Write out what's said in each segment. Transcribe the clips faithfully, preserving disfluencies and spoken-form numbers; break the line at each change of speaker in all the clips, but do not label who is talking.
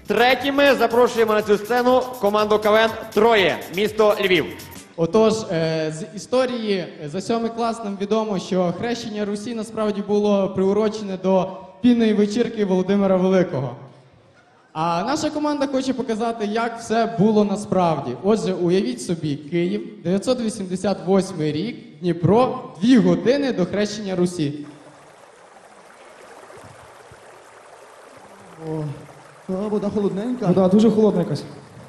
Третіми запрошуємо на цю сцену команду КВН «Троє», місто Львів.
Отож, е, з історії за сьомий клас нам відомо, що хрещення Русі насправді було приурочене до пінної вечірки Володимира Великого. А наша команда хоче показати, як все було насправді. Отже, уявіть собі, Київ, дев'ятсот вісімдесят восьмий рік, Дніпро, дві години до хрещення Русі.
О, а, вода холодненька.
Вода дуже холодна якась.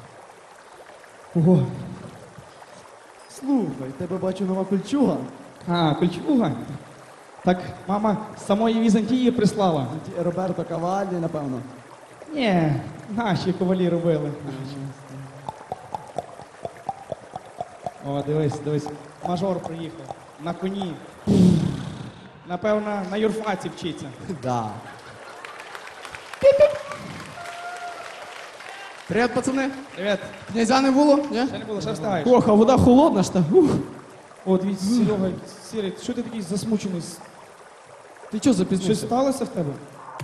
Ого.
Слухай, тебе бачу нова кольчуга.
А, кольчуга. Так, мама з самої Візантії прислала.
Ті Роберто Каваллі, напевно.
Ні, наші ковалі робили. О, дивись, дивись. Мажор приїхав. На коні. Напевно, на юрфаці вчиться.
Да.
Привіт, пацани.
Привіт.
Князя не було? Ні?
Ще не було, ще встаєш.
Ох, а вода холодна ж та. Ух.
О, дивіться, Серега, Сірий, що ти такий засмучений?
Ти чого
Щось
запізнився?
сталося в тебе?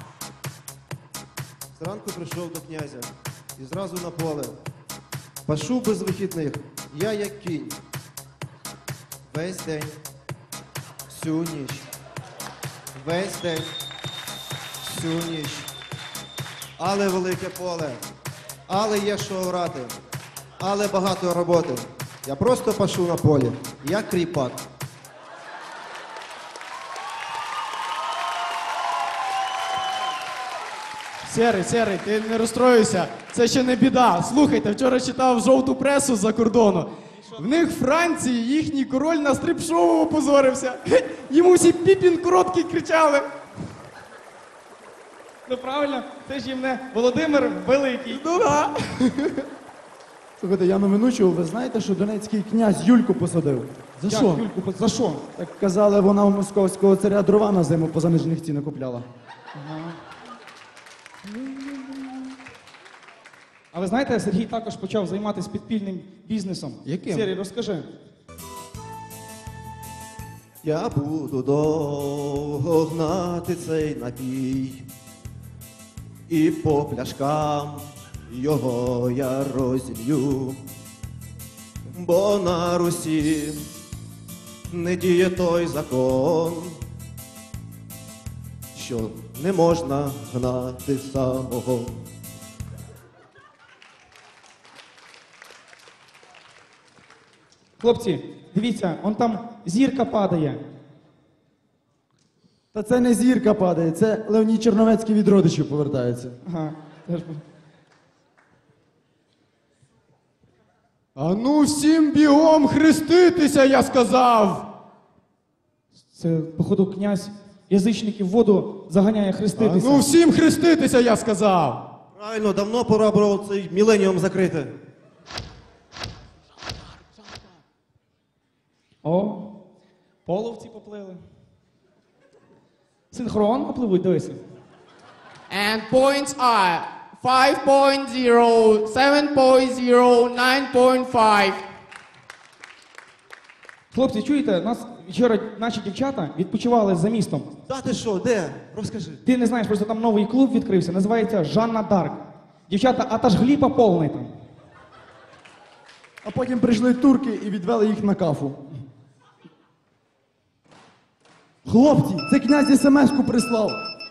Зранку прийшов до князя і зразу на поле. Пашу без вихідних, я як кінь. Весь день, всю ніч. Весь день, всю ніч. Але велике поле, але є що орати, але багато роботи. Я просто пашу на полі, як кріпак.
Серий, Серий, ти не розстроюйся, це ще не біда. Слухайте, вчора читав жовту пресу з-за кордону. В них в Франції їхній король на стрип-шоу опозорився. Хе, йому всі Піпін короткий кричали.
Ну правильно, це ж їм не Володимир Великий.
Ну да.
Слухайте, я новину чув, ви знаєте, що донецький князь Юльку посадив?
За
Як,
що?
Юльку, за що?
Так казали, вона у московського царя дрова на зиму по занижених цінах купляла.
А ви знаєте, Сергій також почав займатися підпільним бізнесом.
Яким?
Сергій, розкажи.
Я буду довго гнати цей напій, і по пляшкам його я розілью, бо на Русі не діє той закон, що не можна гнати самого.
Хлопці, дивіться, он там зірка падає.
Та це не зірка падає, це Леонід Черновецький від родичів повертається.
Ага, теж був.
А ну всім бігом хреститися, я сказав.
Це, походу, князь язичників в воду заганяє
А
хреститися.
ну всім хреститися, я сказав.
Правильно, давно пора було цей міленіум закрити.
О, половці поплили. Синхронно пливуть, дивися.
And points are five point zero, seven point zero, nine point five.
Хлопці, чуєте, нас вчора наші дівчата відпочивали за містом.
Та ти що, де? Розкажи.
Ти не знаєш, просто там новий клуб відкрився, називається Жанна Дарк. Дівчата, а та ж гліпа повний там.
А потім прийшли турки і відвели їх на кафу. Хлопці, це князь смс-ку прислав.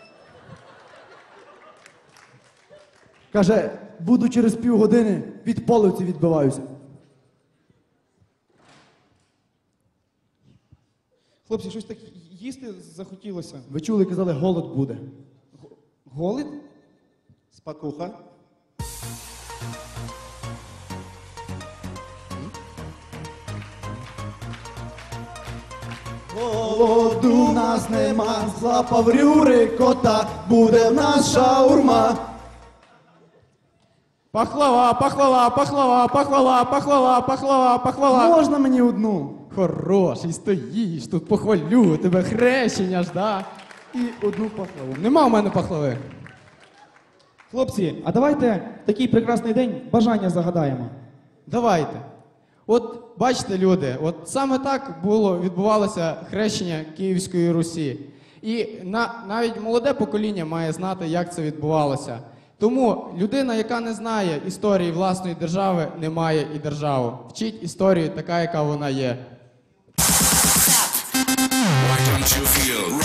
Каже, буду через півгодини, від половці відбиваюся.
Хлопці, щось так їсти захотілося.
Ви чули, казали, голод буде.
Голод?
Спакуха.
Голоду в нас нема, злапав рюри кота, буде в нас шаурма.
Пахлава, пахлава, пахлава, пахлава, пахлава, пахлава, пахлава.
Можна мені одну?
Хороший, стоїш, тут похвалю, тебе хрещення ж, да?
І одну пахлаву.
Нема в мене пахлави.
Хлопці, а давайте в такий прекрасний день бажання загадаємо.
Давайте. От бачите, люди, от саме так було, відбувалося хрещення Київської Русі. І на, навіть молоде покоління має знати, як це відбувалося. Тому людина, яка не знає історії власної держави, не має і державу. Вчіть історію така, яка вона є.
Why don't you feel